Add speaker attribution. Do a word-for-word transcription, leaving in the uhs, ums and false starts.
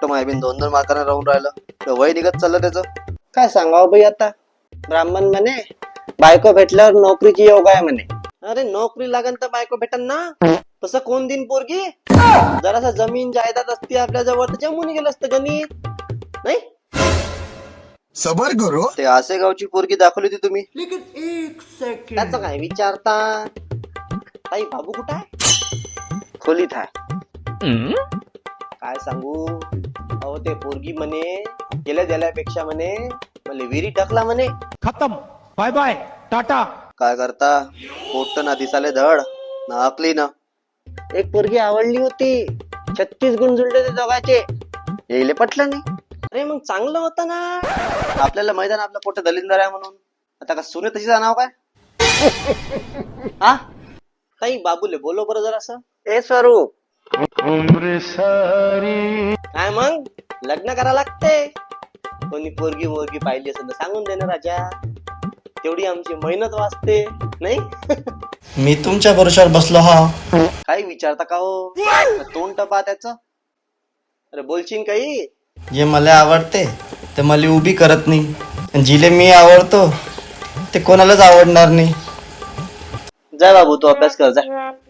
Speaker 1: मोठं मायबीन दोन दोन मार्काने राहून राहिलं तर वय निघत चाललं त्याचं.
Speaker 2: काय सांगावं बाई, आता ब्राह्मण म्हणे बायको भेटल्यावर नोकरीची योग आहे म्हणे. अरे नोकरी लागन तर बायको भेटन ना, तसं कोण दिन पोरगी. जरासा जमीन जायदाद असते आपल्या जवळ तर जमून गेलं असतं गणित, नाही.
Speaker 3: सबर करो.
Speaker 1: ते आसे गावची पोरगी दाखवली होती तुम्ही.
Speaker 2: त्याचं काय विचारता. ताई बाबू कुठं आहे?
Speaker 1: खोलीत आहे.
Speaker 2: काय सांगू अहो, ते पोरगी म्हणे गेल्या गेल्यापेक्षा म्हणे मला विहिरी टाकला म्हणे.
Speaker 4: खत्म, बाय बाय, टाटा.
Speaker 1: काय करता, पोट ना दिसाले धड ना अकली ना.
Speaker 2: एक पोरगी आवडली होती, छत्तीस गुण जुळले ते दोघांचे.
Speaker 1: येईले पटलं नाही.
Speaker 2: अरे मग चांगलं होतं ना.
Speaker 1: आपल्याला मैदान आपलं पोट दलिंदर आहे म्हणून आता का सुने तशी नाव काय. हा
Speaker 2: ताई बाबूले बोलो बरं जरासं.
Speaker 1: ए स्वरूप,
Speaker 2: काय मग लग्न करा लागते. कोणी पोरगी मोरगी पाहिली असेल तर सांगून दे ना राजा, तेवढी आमची मेहनत वाचते, नाही.
Speaker 5: मी तुमच्या भरोशावर बसलो हा.
Speaker 1: काही विचारता का हो, तोंड टपा त्याच.
Speaker 2: अरे बोलशील काही.
Speaker 5: जे मला आवडते ते मला उभी करत नाही, आणि जिले मी आवडतो ते कोणालाच आवडणार नाही.
Speaker 2: जा बाबू, तू अभ्यास कर जा.